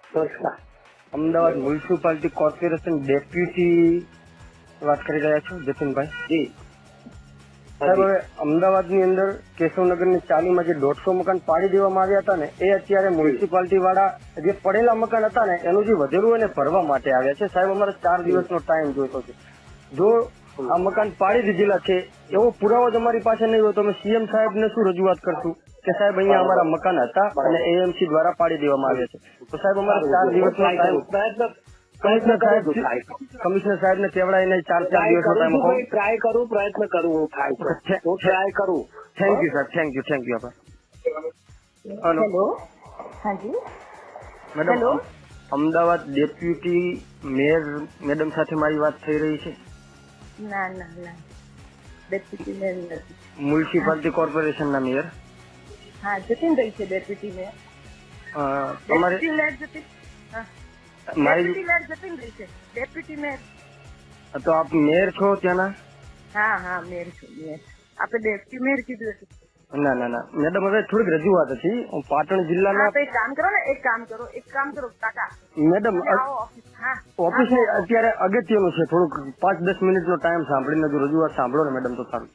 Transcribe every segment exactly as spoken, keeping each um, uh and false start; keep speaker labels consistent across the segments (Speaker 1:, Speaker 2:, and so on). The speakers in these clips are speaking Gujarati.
Speaker 1: નમસ્કાર.
Speaker 2: અમદાવાદ મ્યુનિસિપાલિટી કોર્પોરેશન ડેપ્યુટી વાત કરી રહ્યા છો જતીનભાઈ?
Speaker 1: જી
Speaker 2: સાહેબ, હવે અમદાવાદની અંદર કેશવનગરની ચાલીમાં જે દોઢસો મકાન પાડી દેવામાં આવ્યા હતા ને, એ અત્યારે મ્યુનિસિપાલિટી વાળા જે પડેલા મકાન હતા ને એનું જે વધેલું હોય ને ભરવા માટે આવ્યા છે. સાહેબ, અમારે ચાર દિવસનો ટાઈમ જોઈતો છે. જો આ મકાન પાડી દીધેલા છે એવો પુરાવો જ અમારી પાસે નહીં હોય તો અમે સીએમ સાહેબને શું રજૂઆત કરશું કે સાહેબ અહીંયા અમારા મકાન હતા અને એએમસી દ્વારા પાડી દેવામાં આવ્યા છે? તો સાહેબ, અમારે ચાર દિવસનો ટાઈમ
Speaker 1: પ્રયત્ન
Speaker 2: કમિશનર સાહેબ
Speaker 1: કરું છું, try કરું.
Speaker 2: કમિશનર સાહેબ ને કેવડાવીને ચાર ચાર
Speaker 1: Try
Speaker 2: દિવસનો
Speaker 1: કરું
Speaker 2: ટાઈમ
Speaker 1: છું
Speaker 2: આપો.
Speaker 1: ભાઈ, try કરું, પ્રયત્ન કરું, હું થાય છે. હું ટ્રાય કરું.
Speaker 2: Thank you sir, thank you, thank you. આભાર. Hello
Speaker 3: hello. હાજી.
Speaker 2: Madam,
Speaker 3: hello.
Speaker 2: Ahmedabad deputy mayor madam સાથે મારી વાત થઈ રહી છે?
Speaker 3: ના ના ના ડેપ્યુટી મેયર નથી.
Speaker 2: મ્યુનિસિપાલિટી કોર્પોરેશનના મેયર
Speaker 3: હા, જતીનભાઈ છે ડેપ્યુટી મેયર.
Speaker 2: અ, તમારે
Speaker 3: ડેપ્યુટી મેયર જતીન હા
Speaker 2: મારી
Speaker 3: ડેપ્યુટી મેયર જતીનભાઈ છે. Deputy mayor.
Speaker 2: તો આપ મેયર છો ત્યાંના?
Speaker 3: હા હા મેયર છું, મેયર. આપણે ડેપ્યુટી મેયર કીધું હતું.
Speaker 2: ના ના ના મેડમ, હવે થોડીક રજૂઆત હતી. હું પાટણ
Speaker 3: હા,
Speaker 2: જિલ્લાના
Speaker 3: તો એક કામ કરો ને, એક કામ કરો, એક કામ કરો કાકા.
Speaker 2: મેડમ
Speaker 3: તમે આવો ઓફિસ. હા
Speaker 2: ઓફિસ અત્યારે અગત્યનું છે. થોડુંક પાંચ દસ મિનિટનો ટાઈમ સાંભળીને જો રજૂઆત સાંભળો ને મેડમ તો સારું.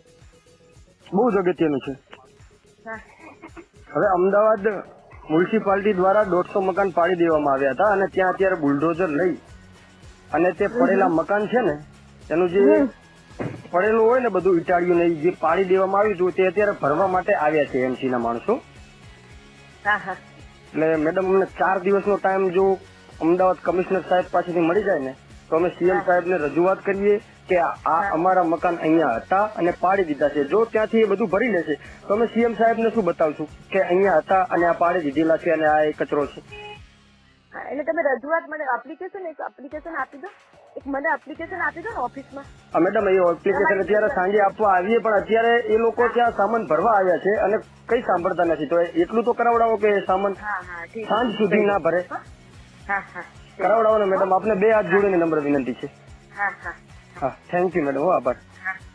Speaker 2: બહુ જ અગત્યનું છે.
Speaker 3: હા
Speaker 2: હવે અમદાવાદ મ્યુનિસિપાલિટી દ્વારા દોઢસો મકાન પાડી દેવામાં આવ્યા હતા અને ત્યાં અત્યારે બુલડોઝર લઈ અને તે પડેલા મકાન છે ને એનું જે પડેલું હોય ને બધું ઇટાળ્યું ને જે પાડી દેવામાં આવ્યું હતું તે અત્યારે ભરવા માટે આવ્યા છે એમસી ના માણસો.
Speaker 3: હા હા
Speaker 2: એટલે મેડમ, અમને ચાર દિવસનો ટાઈમ જો અમદાવાદ કમિશનર સાહેબ પાસેથી મળી જાય ને તો અમે સીએમ સાહેબને રજૂઆત કરીએ કે આ અમારા મકાન અહીંયા હતા અને પાડી દીધા છે. જો ત્યાંથી એ બધું ભરી લેશે તો અમે સીએમ સાહેબને શું બતાવશું કે અહીંયા હતા અને આ પાડી દીધેલા છે અને આ એ કચરો છે.
Speaker 3: હા, એટલે તમે રજૂઆત મને એપ્લિકેશન એક એપ્લિકેશન આપી દો. એક મને એપ્લિકેશન આપી દો ને ઓફિસમાં.
Speaker 2: હા મેડમ, એ એપ્લિકેશન અત્યારે સાંજે આપવા આવીએ પણ અત્યારે એ લોકો ત્યાં સામાન ભરવા આવ્યા છે અને કઈ સાંભળતા નથી. તો એટલું તો કરાવડાવો કે સામાન
Speaker 3: હા હા ઠીક.
Speaker 2: સાંજ સુધી ના ભરે.
Speaker 3: હા હા
Speaker 2: કરાવડાવો ને મેડમ, આપને બે હાથ જોડીને નમ્ર વિનંતી છે.
Speaker 3: હા હા
Speaker 2: હા, થેન્ક યુ મેડમ. આભાર.